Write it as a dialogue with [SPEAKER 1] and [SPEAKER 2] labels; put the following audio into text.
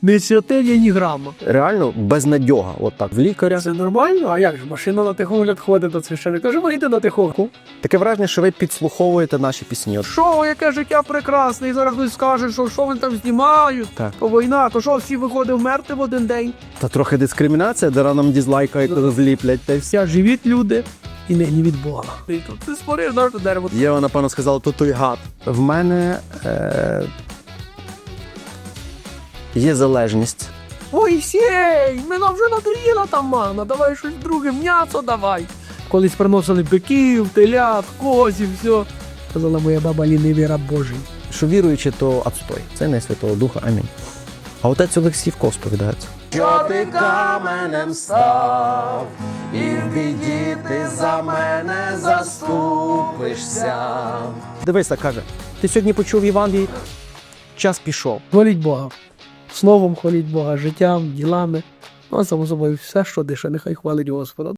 [SPEAKER 1] Не святиня, ні грама.
[SPEAKER 2] Реально безнадьога. От так, в лікаря.
[SPEAKER 1] Це нормально? А як ж, машина на техогляд ходить до священника? Каже, вийти на техогляд.
[SPEAKER 2] Таке враження, що ви підслуховуєте наші пісні. От.
[SPEAKER 1] Що, яке життя прекрасне, і зараз хтось скаже, що вони там знімають,
[SPEAKER 2] Так.
[SPEAKER 1] то війна, то що, всі виходив вмерти в один день?
[SPEAKER 2] Та трохи дискримінація, де нам дізлайкають, зліплять та й все.
[SPEAKER 1] Вся живіть люди і не від Бога. І тут ти спориш, на дерево.
[SPEAKER 2] Єва, напевно, сказала, то той гад. В мене є залежність.
[SPEAKER 1] Ой, сей, мене вже надоїла та мана, давай щось друге, м'ясо давай. Колись приносили биків, телят, козів, все. Казала моя баба лінивий раб Божий.
[SPEAKER 2] Що віруючи, то отстой. Це не Святого Духа. Амінь. А отець Олексій в кого сповідається? Що ти каменем став, і в біді ти за мене заступишся. Дивися, каже, ти сьогодні почув Євангелій, час пішов.
[SPEAKER 1] Хваліть Бога. Словом хваліть Бога, життям, ділами. Ну, а само собою, все, що дише, нехай хвалить Господа.